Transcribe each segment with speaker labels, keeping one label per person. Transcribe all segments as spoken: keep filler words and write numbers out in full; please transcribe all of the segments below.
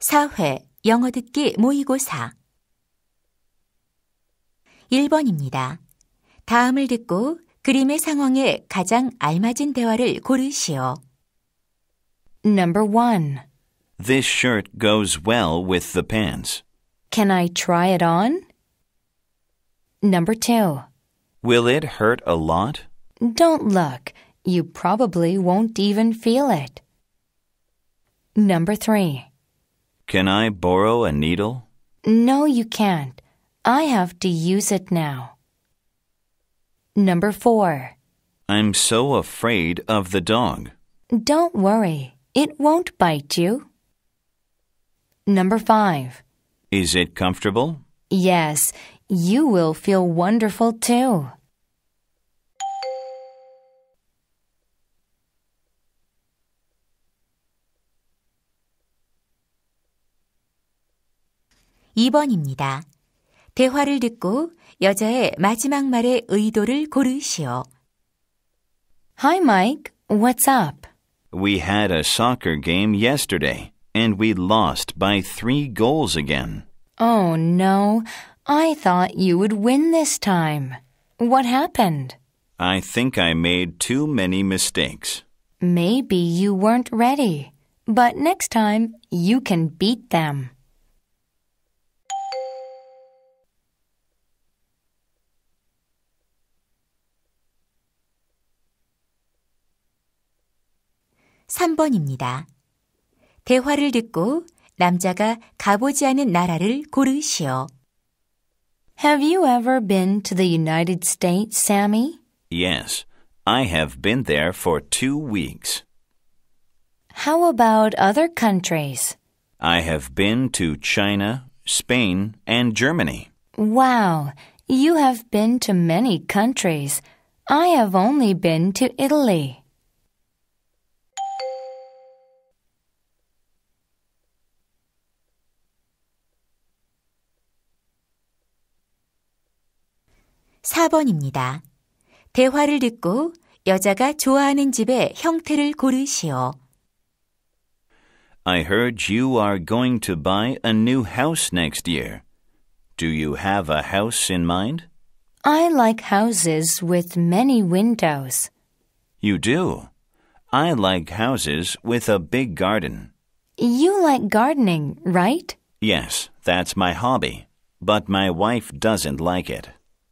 Speaker 1: 사 회 영어 듣기 모의고사 일 번입니다. 다음을 듣고 그림의 상황에 가장 알맞은 대화를 고르시오.
Speaker 2: Number one.
Speaker 3: This shirt goes well with the pants.
Speaker 2: Can I try it on? Number two.
Speaker 3: Will it hurt a lot?
Speaker 2: Don't look. You probably won't even feel it. Number three.
Speaker 3: Can I borrow a needle?
Speaker 2: No, you can't. I have to use it now. Number four.
Speaker 3: I'm so afraid of the dog.
Speaker 2: Don't worry. It won't bite you. Number five.
Speaker 3: Is it comfortable?
Speaker 2: Yes, you will feel wonderful too.
Speaker 1: 이 번입니다. 대화를 듣고 여자의 마지막 말의 의도를 고르시오.
Speaker 2: Hi, Mike. What's up?
Speaker 3: We had a soccer game yesterday, and we lost by three goals again.
Speaker 2: Oh, no. I thought you would win this time. What happened?
Speaker 3: I think I made too many mistakes.
Speaker 2: Maybe you weren't ready, but next time you can beat them.
Speaker 1: 삼 번입니다. 대화를 듣고 남자가 가보지 않은 나라를 고르시오.
Speaker 2: Have you ever been to the United States, Sammy?
Speaker 3: Yes, I have been there for two weeks.
Speaker 2: How about other countries?
Speaker 3: I have been to China, Spain, and Germany.
Speaker 2: Wow, you have been to many countries. I have only been to Italy.
Speaker 1: 사 번입니다. 대화를 듣고 여자가 좋아하는 집의 형태를 고르시오.
Speaker 3: I heard you are going to buy a new house next year. Do you have a house in mind?
Speaker 2: I like houses with many windows.
Speaker 3: You do. I like houses with a big garden.
Speaker 2: You like gardening, right?
Speaker 3: Yes, that's my hobby, but my wife doesn't like it.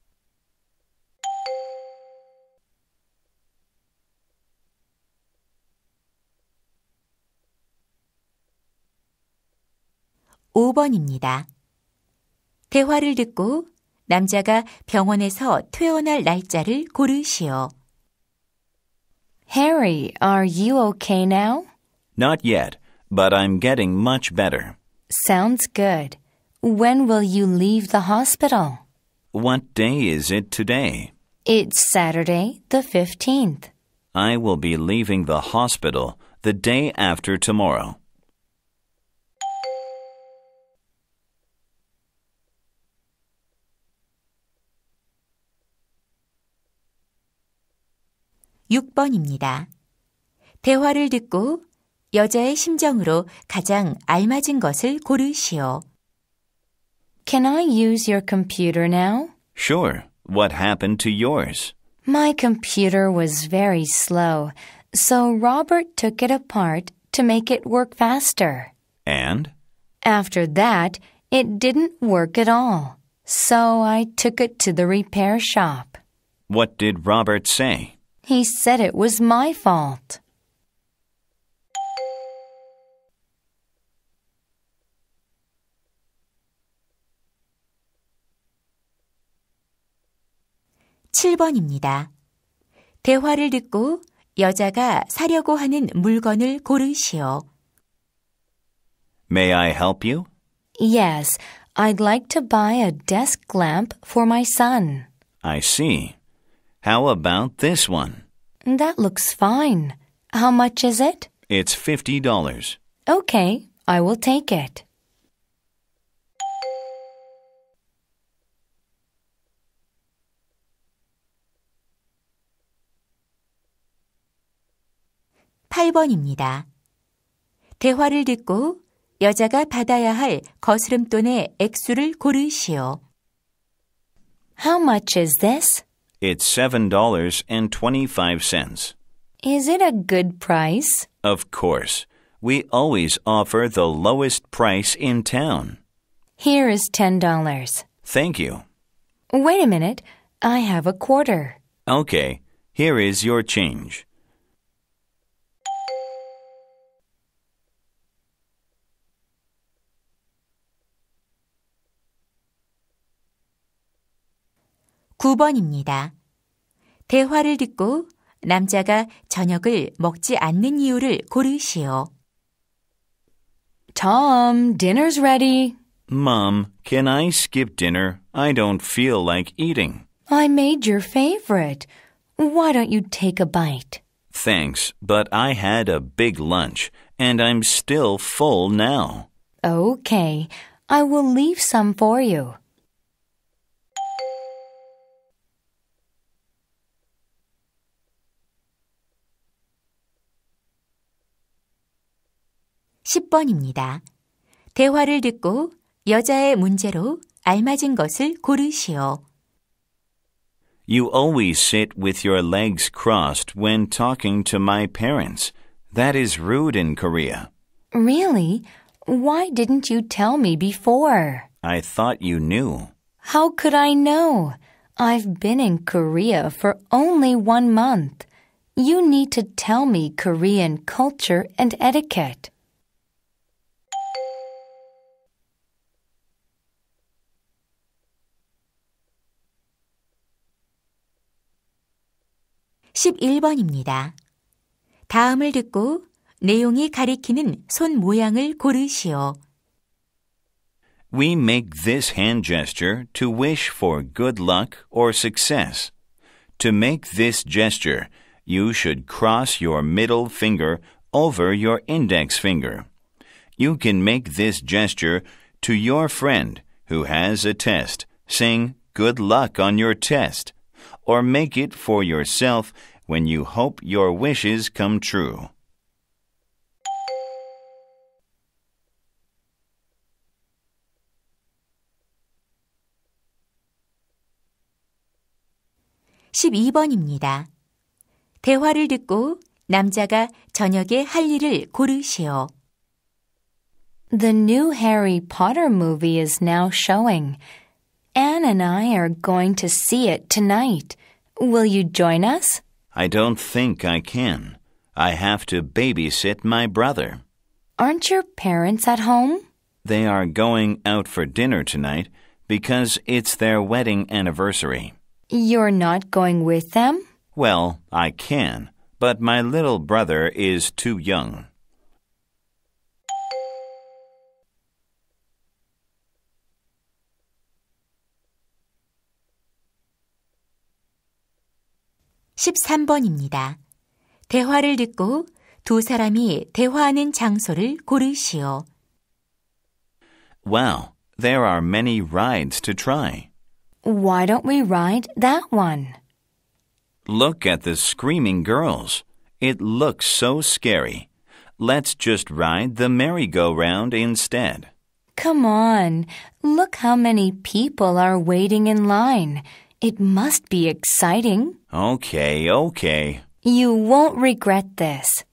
Speaker 1: 오 번입니다. 대화를 듣고 남자가 병원에서 퇴원할 날짜를 고르시오.
Speaker 2: Harry, are you okay now?
Speaker 3: Not yet, but I'm getting much better.
Speaker 2: Sounds good. When will you leave the hospital?
Speaker 3: What day is it today?
Speaker 2: It's Saturday, the fifteenth.
Speaker 3: I will be leaving the hospital the day after tomorrow.
Speaker 1: 육 번입니다. 대화를 듣고 여자의 심정으로 가장 알맞은 것을 고르시오.
Speaker 2: Can I use your computer now?
Speaker 3: Sure. What happened to yours?
Speaker 2: My computer was very slow, so Robert took it apart to make it work faster.
Speaker 3: And?
Speaker 2: After that, it didn't work at all, so I took it to the repair shop.
Speaker 3: What did Robert say?
Speaker 2: He said it was my fault.
Speaker 1: 칠 번입니다. 대화를 듣고 여자가 사려고 하는 물건을 고르시오.
Speaker 3: May I help you?
Speaker 2: Yes, I'd like to buy a desk lamp for my son.
Speaker 3: I see. How about this one?
Speaker 2: That looks fine. How much is it?
Speaker 3: It's fifty dollars.
Speaker 2: Okay, I will take it.
Speaker 1: 팔 번입니다. 대화를 듣고 여자가 받아야 할 거스름돈의 액수를 고르시오.
Speaker 2: How much is this?
Speaker 3: It's seven dollars and twenty-five cents.
Speaker 2: Is it a good price?
Speaker 3: Of course. We always offer the lowest price in town.
Speaker 2: Here is ten dollars.
Speaker 3: Thank you.
Speaker 2: Wait a minute. I have a quarter.
Speaker 3: Okay, here is your change.
Speaker 1: 구 번입니다. 대화를 듣고 남자가 저녁을 먹지 않는 이유를 고르시오.
Speaker 2: Tom, dinner's ready.
Speaker 3: Mom, can I skip dinner? I don't feel like eating.
Speaker 2: I made your favorite. Why don't you take a bite?
Speaker 3: Thanks, but I had a big lunch, and I'm still full now.
Speaker 2: Okay, I will leave some for you.
Speaker 1: 십 번입니다. 대화를 듣고 여자의 문제로 알맞은 것을 고르시오.
Speaker 3: You always sit with your legs crossed when talking to my parents. That is rude in Korea.
Speaker 2: Really? Why didn't you tell me before?
Speaker 3: I thought you knew.
Speaker 2: How could I know? I've been in Korea for only one month. You need to tell me Korean culture and etiquette.
Speaker 1: 십일 번입니다. 다음을 듣고 내용이 가리키는 손 모양을 고르시오.
Speaker 3: We make this hand gesture to wish for good luck or success. To make this gesture, you should cross your middle finger over your index finger. You can make this gesture to your friend who has a test, saying good luck on your test, or make it for yourself when you hope your wishes come true.
Speaker 1: 십이 번입니다. 대화를 듣고 남자가 저녁에 할 일을 고르시오.
Speaker 2: The new Harry Potter movie is now showing. Anne and I are going to see it tonight. Will you join us?
Speaker 3: I don't think I can. I have to babysit my brother.
Speaker 2: Aren't your parents at home?
Speaker 3: They are going out for dinner tonight because it's their wedding anniversary.
Speaker 2: You're not going with them?
Speaker 3: Well, I can, but my little brother is too young.
Speaker 1: 십삼 번입니다. 대화를 듣고 두 사람이 대화하는 장소를 고르시오.
Speaker 3: Wow, there are many rides to try.
Speaker 2: Why don't we ride that one?
Speaker 3: Look at the screaming girls. It looks so scary. Let's just ride the merry-go-round instead.
Speaker 2: Come on, look how many people are waiting in line. It must be exciting.
Speaker 3: Okay, okay.
Speaker 2: You won't regret this.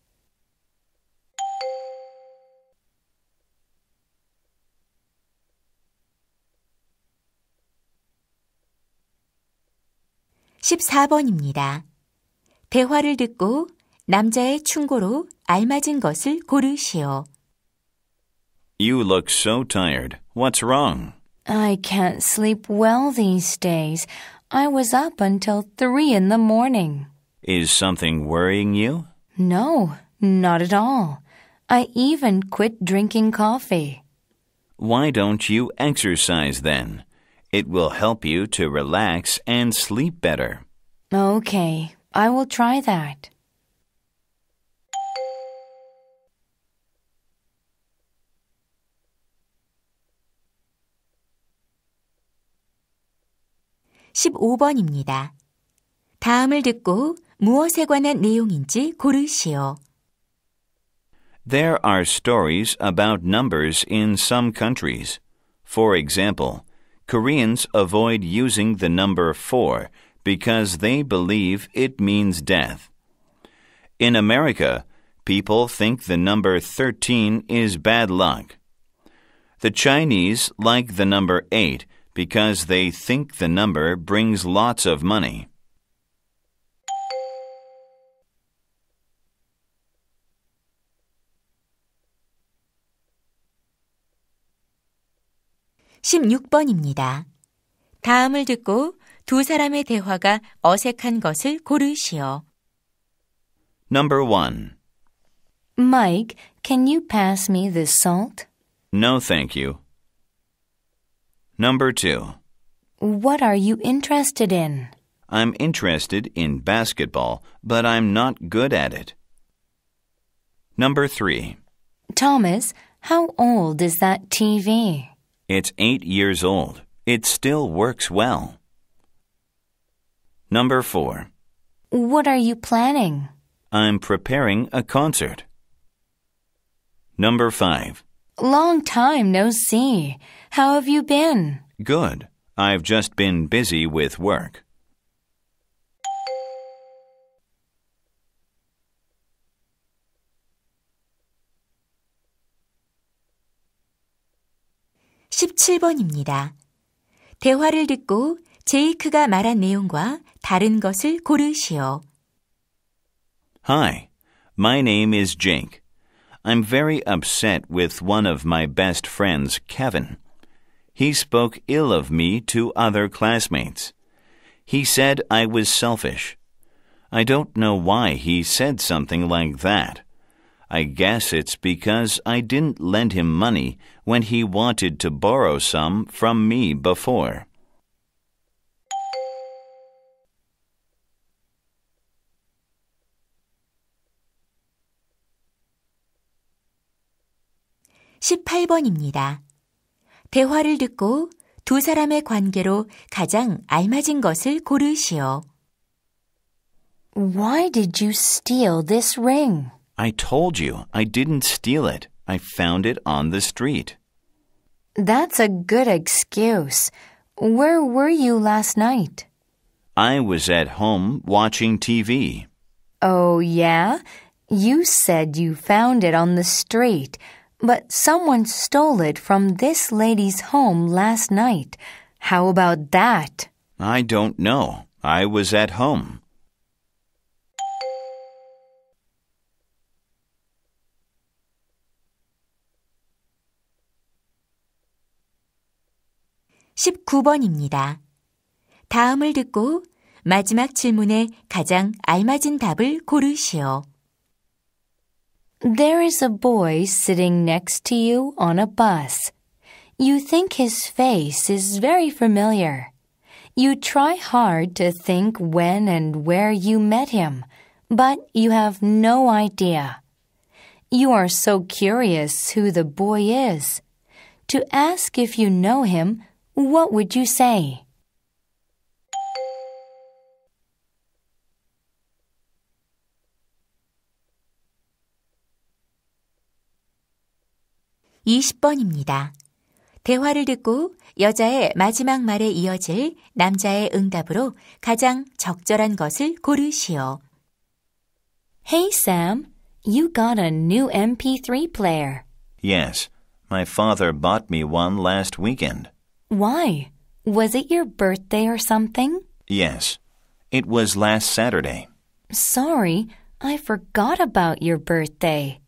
Speaker 1: 십사 번입니다. 대화를 듣고 남자의 충고로 알맞은 것을 고르시오.
Speaker 3: You look so tired. What's wrong?
Speaker 2: I can't sleep well these days. I was up until three in the morning.
Speaker 3: Is something worrying you?
Speaker 2: No, not at all. I even quit drinking coffee.
Speaker 3: Why don't you exercise then? It will help you to relax and sleep better.
Speaker 2: Okay, I will try that.
Speaker 1: 십오 번입니다. 다음을 듣고 무엇에 관한 내용인지 고르시오.
Speaker 3: There are stories about numbers in some countries. For example, Koreans avoid using the number four because they believe it means death. In America, people think the number thirteen is bad luck. The Chinese like the number eight because they think the number brings lots of money.
Speaker 1: 십육 번입니다. 다음을 듣고 두 사람의 대화가 어색한 것을 고르시오.
Speaker 3: Number one.
Speaker 2: Mike, can you pass me this salt?
Speaker 3: No, thank you. Number two.
Speaker 2: What are you interested in?
Speaker 3: I'm interested in basketball, but I'm not good at it. Number three.
Speaker 2: Thomas, how old is that T V?
Speaker 3: It's eight years old. It still works well. Number four.
Speaker 2: What are you planning?
Speaker 3: I'm preparing a concert. Number five.
Speaker 2: Long time no see. How have you been?
Speaker 3: Good. I've just been busy with work.
Speaker 1: 십칠 번입니다. 대화를 듣고 제이크가 말한 내용과 다른 것을 고르시오.
Speaker 3: Hi, my name is Jake. I'm very upset with one of my best friends, Kevin. He spoke ill of me to other classmates. He said I was selfish. I don't know why he said something like that. I guess it's because I didn't lend him money when he wanted to borrow some from me before.
Speaker 1: 십팔 번입니다. 대화를 듣고 두 사람의 관계로 가장 알맞은 것을 고르시오.
Speaker 2: Why did you steal this ring?
Speaker 3: I told you I didn't steal it. I found it on the street.
Speaker 2: That's a good excuse. Where were you last night?
Speaker 3: I was at home watching T V.
Speaker 2: Oh, yeah? You said you found it on the street, but someone stole it from this lady's home last night. How about that?
Speaker 3: I don't know. I was at home.
Speaker 1: 십구 번입니다. 다음을 듣고 마지막 질문에 가장 알맞은 답을 고르시오.
Speaker 2: There is a boy sitting next to you on a bus. You think his face is very familiar. You try hard to think when and where you met him, but you have no idea. You are so curious who the boy is. To ask if you know him, what would you say?
Speaker 1: 이십 번입니다. 대화를 듣고 여자의 마지막 말에 이어질 남자의 응답으로 가장 적절한 것을 고르시오.
Speaker 2: Hey Sam, you got a new M P three player.
Speaker 3: Yes, my father bought me one last weekend.
Speaker 2: Why? Was it your birthday or something?
Speaker 3: Yes, it was last Saturday.
Speaker 2: Sorry, I forgot about your birthday.